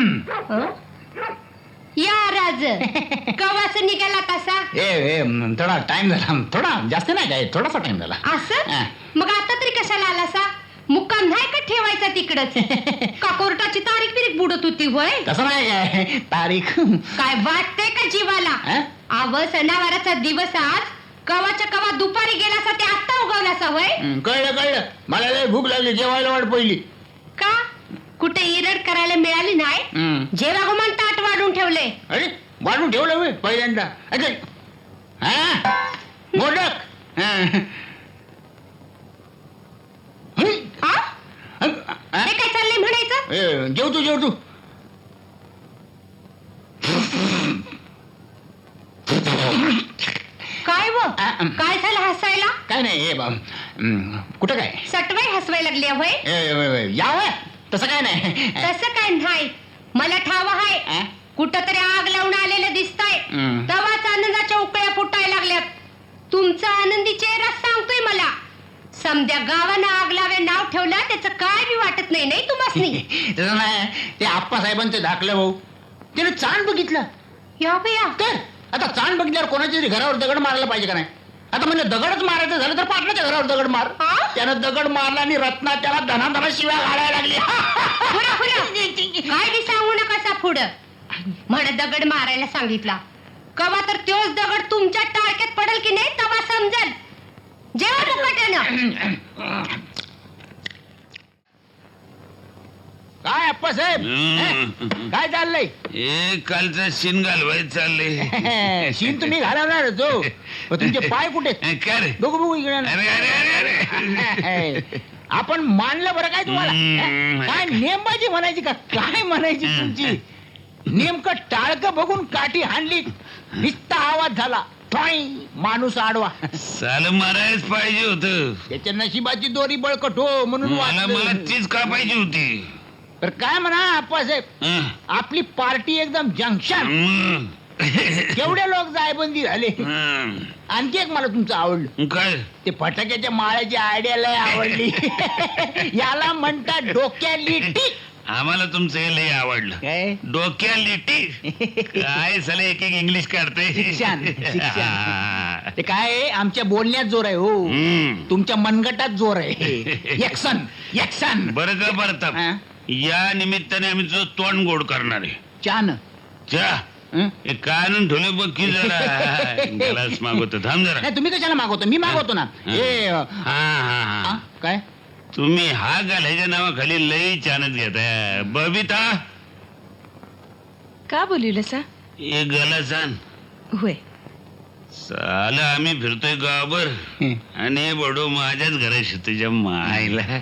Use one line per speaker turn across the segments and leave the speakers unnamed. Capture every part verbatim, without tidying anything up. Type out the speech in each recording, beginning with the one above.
या राज कवास निघाला तसा
ए ए थोडा टाइम झाला, थोडा जास्त नाही काय, थोडासा टाइम झाला.
असं मग आता तरी कशाला आलासा? मुक्काम नाही का ठेवायचा तिकडच? का कोर्टाची तारीख बिरीख बुडत होती होय?
तसं नाही काय तारीख.
काय वाटतंय का जीवाला? आव सणावाराचा दिवस आज कवाच्या कवा दुपारी गेलासा ते आत्ता उगवलासा होय?
कळलं कळलं, मला लय भूक लागली, जेवायला वाट पहिली.
का कुठे इरड करायला मिळाली नाही? जेवा गुमान ताट वाढून ठेवले.
अरे वाढून ठेवलं मी पहिल्यांदा. अरे हा मोदक.
हे काय चाललंय म्हणायचं?
जेव तू जेव तू.
काय व काय झालं हसायला?
काय नाही कुठं काय
सटवाई हसवायला लागली होय?
याव तसं काय नाही.
तसं काय नाही, मला ठाव आहे कुठं तरी आग लावून आलेलं दिसतंय. तवाच आनंदाच्या उकळ्या फुटायला लागल्यात. तुमचा आनंदी चेहरा सांगतोय मला. समद्या गावानं आग लावे नाव ठेवलं त्याचं काय बी वाटत नाही नाही तुम्हाला?
तसं नाही, ते आप्पा साहेबांचं धाकलं भाऊ त्याने चांद बघितलं.
या बया
तर आता चांद बघितल्यावर कोणाच्या तरी घरावर दगड मारायला पाहिजे का नाही? आता म्हणजे दगडच मारायचं झालं तर पाटलाच्या घरावर दगड मार. त्यानं दगड मारला आणि रत्ना त्याला धनाधना शिव्या घालायला लागली.
काय बी सांगू नका पुढं. म्हण दगड मारायला सांगितला, कवा तर तोच दगड तुमच्या टाळक्यात पडेल की नाही तेव्हा समजेल. जेव्हा मुकाट्यानं
काय अप्पा साहेब काय चाललंय?
ए कालचा शिन घालवाय चाललंय.
शिन तुम्ही घालवणार जो, तुमचे पाय कुठे?
काय रे?
बघू बघू इकडे.
अरे अरे अरे
आपण मानलं बरं काय तुम्हाला? काय नेमबाजी म्हणायची का काय म्हणायची तुमची? नेमकं टाळकं बघून काठी हाणली, निस्ता आवाज झाला, माणूस आडवा.
साल मारायच पाहिजे होत.
त्याच्या नशिबाची दोरी बळकट हो म्हणून
मला मला तीच का पाहिजे होती.
तर काय म्हणा आप्पासाहेब, आपली पार्टी एकदम जंक्शन. केवढे लोक जायबंदी झाले. आणखी एक मला तुमचं आवडलं.
काय?
ते फटाक्याच्या माळ्याची आयडिया लय आवडली. याला म्हणतात डोक्याली टीक.
आम्हाला तुमचं हे लय आवडलं.
काय
डोक्या लिटी काय साला एक एक इंग्लिश काढते.
शिक्षण शिक्षण ते काय आमच्या बोलण्यात जोर आहे हो, तुमच्या मनगटात जोर आहे. यक्सन यक्सन.
बरं का परताप, या निमित्ताने आम्ही तुझं तोंड गोड करणार आहे.
चान
चा काय आणून ठेवले बघ की जरा. गलास मागवतो, थांब जरा.
नाही तुम्ही कशाला मागवतो? मी मागवतो ना. हे
हा हा हा
काय
तुम्ही हा घालायच्या नावाखाली लई चानत घेताय. बबिता
का बोलवलं सा?
एक गलास आण.
होय.
साला आम्ही फिरतोय गावावर आणि बडो माझ्याच घराशी तुझ्या मायला.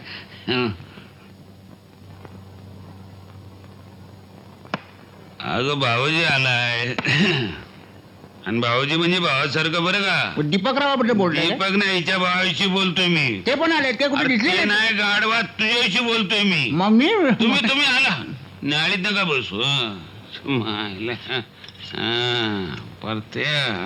अगं भाऊजी आलाय. आणि भाऊजी म्हणजे भावासारखं बरं का.
दीपकराव बद्दल बोलतोय?
दीपक नाही, हिच्या भावाशी बोलतोय मी.
ते पण आले ते कुठे दिसले
नाही? गाडवा तुझ्याशी बोलतोय मी.
मम्मी
तुम्ही तुम्ही आला नाळीत नका बसू. मायला परते.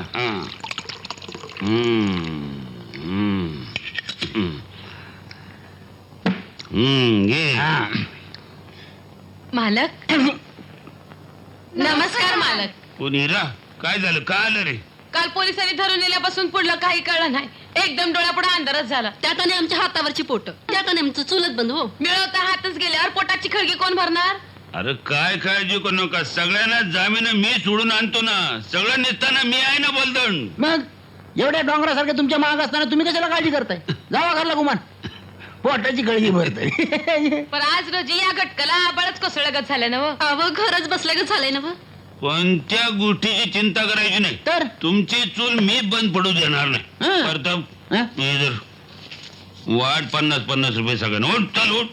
मालक नमस्कार. मालक
पुनीरा काय झालं? का आलं रे?
काल पोलिसांनी धरून नेल्यापासून पुढलं काही कळलं नाही. एकदम डोळ्यापुढे अंधारच झाला.
त्यात आणि आमच्या हातावरची पोट, त्यात आणि आमचं चुलत बंद हो.
मिळवता हातच गेल्यावर पोटाची खळगी कोण भरणार?
अरे काय काळजी करू नका, सगळ्यांना जामीन मी सोडून आणतो ना. सगळं निघताना मी आहे ना बोलदण.
मग एवढ्या डोंगरासारखे तुमच्या माग असताना तुम्ही कशाला काळजी करताय? जावा घरला गुमान, पोटाची गळगी भरते.
पण आज रोजी या घटकाला आबाळच कोसळगत झालं ना.
अव घरच बसल्यागत झालंय ना.
कोणत्या गोष्टीची चिंता करायची नाही.
तर
तुमची चूल मी बंद पडू देणार नाही. प्रताप इधर वाट पन्नास पन्नास रुपये सगळ्यांना. उठ चल उठ.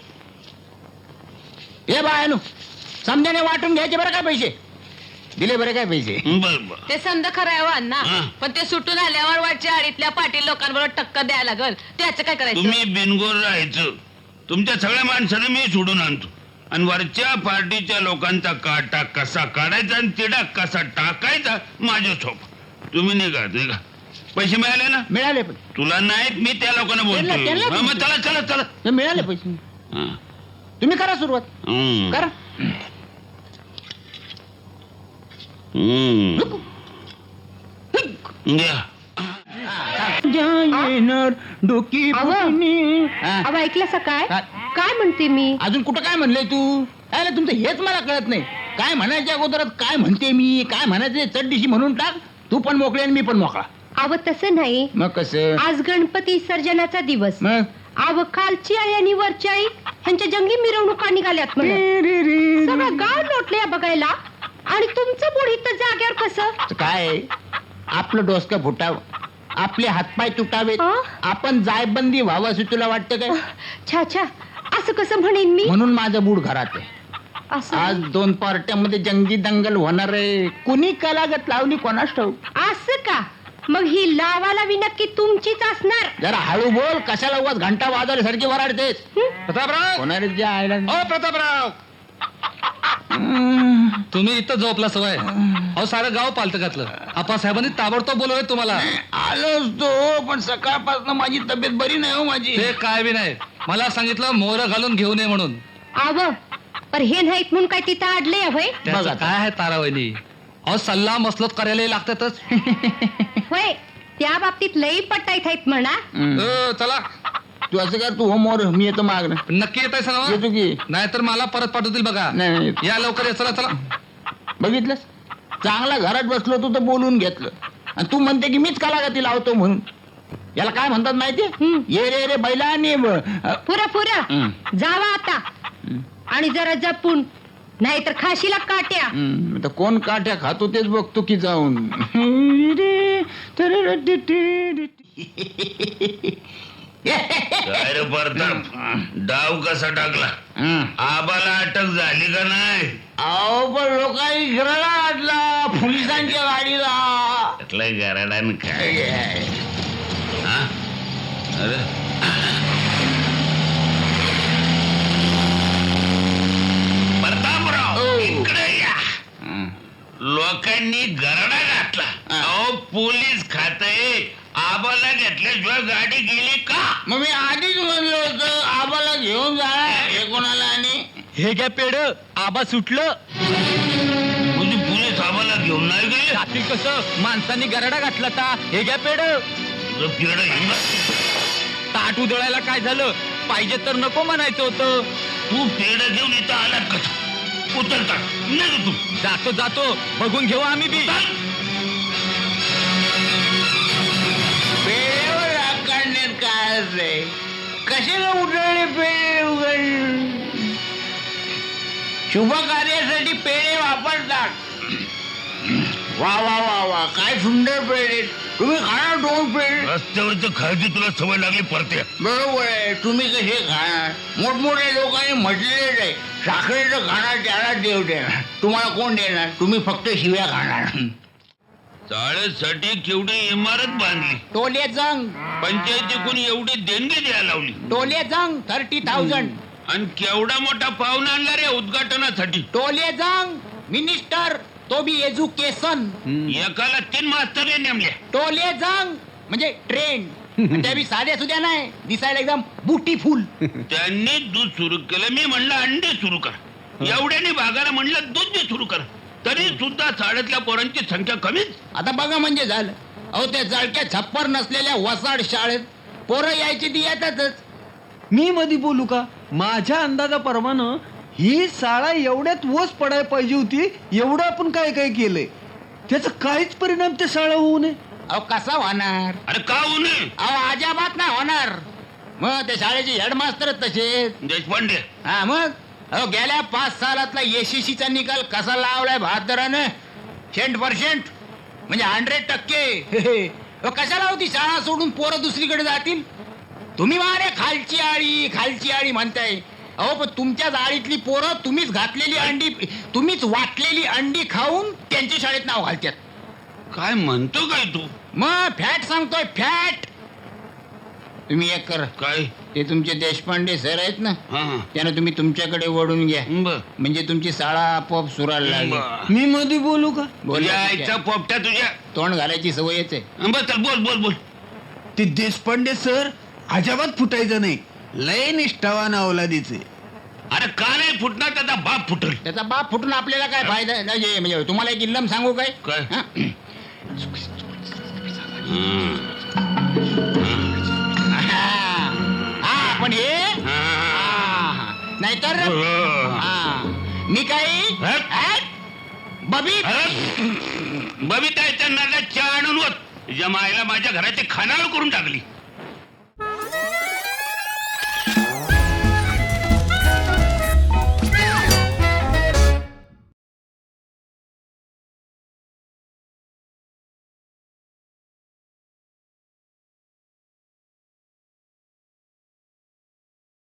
हे बायनू समजाने वाटून घ्यायचे बरं काय पैसे दिले बरे काय पैसे.
बर बर
ते समजा खरं आहे अण्णा, पण ते सुटून आल्यावर वाटच्या आडीतल्या पाटील लोकांबरोबर टक्कर द्यायला लागल. त्याचं काय करायचं?
तुम्ही बिनगोर राहायचं. तुमच्या सगळ्या माणसाने मी सोडून आणतो आणि वरच्या पार्टीच्या लोकांचा काटा कसा काढायचा आणि तिडा कसा टाकायचा माझ्या सोप. तुम्ही निघा निघा. पैसे मिळाले ना?
मिळाले पण
तुला नाहीत, मी त्या लोकांना बोलतो. मग चला चला चला
मिळाले पैसे. तुम्ही करा सुरुवात करा.
हम्म. घ्या.
येणार डोकी
अहो.
फुटणी. हा.
अहो ऐकलं काय
काय?
काय म्हणते मी
अजून कुठं काय म्हणलंय तू काय रे, तुमचं हेच मला कळत नाही. काय म्हणायच्या अगोदरात काय म्हणते मी, काय म्हणायचे चड्डीशी म्हणून टाक. तू पण मोकळे आणि मी पण मोकळा.
अव तसं नाही
मग कसं
आज गणपती विसर्जनाचा दिवस
मग
अव खालची आई आणि वरची आई ह्यांच्या जंगी मिरवणुका निघाल्यात म्हणून सगळं गाव लोटले बघायला आणि तुमचं बुडी तर जाग्यावर कसं
काय आपलं डोसकं फुटावं, आपले हातपाय तुटावेत,
आ?
आपण जायबंदी व्हावं असं तुला वाटतं काय?
छा छा असं कसं म्हणेन मी
म्हणून माझं बूड घरात आहे.
असं
आज दोन पार्ट्यामध्ये जंगी दंगल होणार आहे. कुणी कलागत लावली कोणास ठाऊक.
असं का मग ही लावाला बी नक्की तुमचीच असणार
जरा हळू बोल, कशाला उगाच घंटा वाजवल्यासारखी वराडतेस.
प्रतापराव
होणार जे आयला
ओ प्रतापराव तुम्ही इथं झोपला सवय अहो सारं गाव पालत घातलं. आप्पासाहेबांनी ताबडतोब बोलवलंय तुम्हाला.
आलोच तो, पण सकाळपासून माझी तब्येत बरी नाही हो माझी.
ते काय बी नाही, मला सांगितलं मोहर घालून घेऊ नये म्हणून.
आव पर हे नाहीत म्हणून काय तिथं आडले अभय
त्याचं
बघा.
काय आहे तारावणी, अहो सल्ला मसलत करायला लागतातच.
होय त्या बाबतीत लई पटाईत आहेत म्हणा
हम्म.
अ, चला
तू असं कर, तू हो मोर, मी येतो माग
नक्की येत आहे
येतो की.
नाहीतर मला परत पाठवतील बघा.
नाही, नाही.
या लवकर या, चला चला.
बघितलंस चांगला घरात बसलो तू तर बोलून घेतलं आणि तू म्हणते की मीच कलागती लावतो म्हणून. याला काय म्हणतात माहिती
हम्म.
ये रे रे बैला आणि ब- अ,
पुरा पुरा
हम्म.
जावा आता आणि जरा जपून नाहीतर खाशीला काट्या
हम्म, आता कोण काठ्या खातो तेच बघतो की जाऊन.
काय रे प्रताप, डाव कसा टाकला?
हम्म.
आबाला अटक झाली का नाही?
अहो पण लोकांनी घराला आणला पोलिसांच्या गाडीला.
त्यातलं गराडान काय हा? अरे प्रतापराव
ओ.
इकडे या.
हम्म.
लोकांनी गरडा घातला. अहो पोलीस खाते आबाला घेतल्याशिवाय गाडी गेली का?
मग मी आधीच म्हणलं होतं आबाला घेऊन जा हे कोणाला आणि
हे घ्या पेड, आबा सुटलं.
म्हणजे पोलीस आबाला घेऊन नाही गेले?
जातील कसं, माणसांनी गराडा घातला ता. हे घ्या पेड.
तुझं पिरडं घेऊन जा.
ताट उधळायला काय झालं, पाहिजे तर नको म्हणायचं होतं.
तू पेढं घेऊन इथं आलात कसं? उतरता नाही तू.
जातो जातो, बघून घेऊ आम्ही बी.
पेढेवर राग काढण्यात काय असते, कशाला उठवले पेढे उघड. शुभ कार्यासाठी पेढे वापरतात. वा वा वा वा काय सुंदर पेढे. तुम्ही खाणार दोन पेढे.
रस्त्यावरचं खायची तुला सवय लागली परते.
बरोबर आहे, तुम्ही कसे खाणार. मोठमोठ्या लोकांनी म्हटलेलं आहे साखरेचं खाणार त्याला देव देणार. तुम्हाला कोण देणार, तुम्ही फक्त शिव्या खाणार.
चाळ्यासाठी केवढी इमारत बांधली,
टोले जंग
पंचायतीकडून एवढी देणगी द्यायला लावली
टोले जंग थर्टी थाउजंड.
आणि केवढा मोठा पाहुणा आणला रे उद्घाटनासाठी.
टोले जंग मिनिस्टर तो बी एज्युकेशन.
एकाला तीन मास्तर नेमले.
टोले जंग म्हणजे ट्रेंड. त्या बी साध्या सुद्या नाही, दिसायला एकदम ब्युटीफुल.
त्यांनी दूध सुरू केलं, मी म्हणलं अंडे सुरू कर. एवढ्याने भागाला म्हणलं दूध बी सुरू कर, तरी सुद्धा शाळेतल्या पोरांची संख्या कमीच.
आता बघा म्हणजे झालं. अहो त्या जळक्या छप्पर नसलेल्या वसाड शाळेत पोरं यायची ती येतातच.
मी मधी बोलू का? माझ्या अंदाजाप्रमाणे ही शाळा एवढ्यात वस पडायला पाहिजे होती. एवढं आपण काय काय केलंय, त्याचा काहीच परिणाम त्या शाळा होऊ नये.
अहो कसा होणार.
अरे का होऊ नये?
अहो अजाबात नाही होणार. मग त्या शाळेचे हेडमास्तर तसेच.
देशपांडे
हा मग अहो गेल्या पाच सालातला एसीसीचा निकाल कसा लावलाय बहात्तरानं. सेंट पर्सेंट म्हणजे हंड्रेड टक्के. कशाला होती शाळा सोडून पोरं दुसरीकडे जातील. तुम्ही मारे खालची आळी खालची आळी म्हणताय. अहो पण तुमच्याच आळीतली पोरं तुम्हीच घातलेली अंडी, तुम्हीच वाटलेली अंडी खाऊन त्यांच्या शाळेत नाव घालतात.
काय म्हणतो काय तू?
मग फॅट सांगतोय फॅट. तुम्ही एक करा,
काय?
ते तुमचे देशपांडे सर आहेत ना,
हा हा.
त्यानं तुम्ही तुमच्याकडे वळून घ्या.
बर
म्हणजे तुमची शाळा आपोआप सुरायला लागेल.
बर.
मी मध्ये बोलू का?
बोला
तुझ्या
ठीक
आईचा
आहे.
पोपट्या तुझ्या.
तोंड घालायची सवयच आहे.
बर चल बोल बोल बोल.
ते देशपांडे सर अजाबात फुटायचं नाही. लय निष्ठावान अवलादीचे.
अरे का नाही फुटणार? त्याचा बाप फुटल.
त्याचा बाप फुटून आपल्याला काय फायदा आहे? म्हणजे म्हणजे तुम्हाला एक इल्लम सांगू काय?
काय?
हा?
हं.
हा पण हे
हा.
हा. नाहीतर
हो.
हा. मी काही
हट.
हट. बबी
अरे, बबिता याच्या नाला चहा आणून होत. तुझ्या मायला माझ्या घराची खानावळ करून टाकली.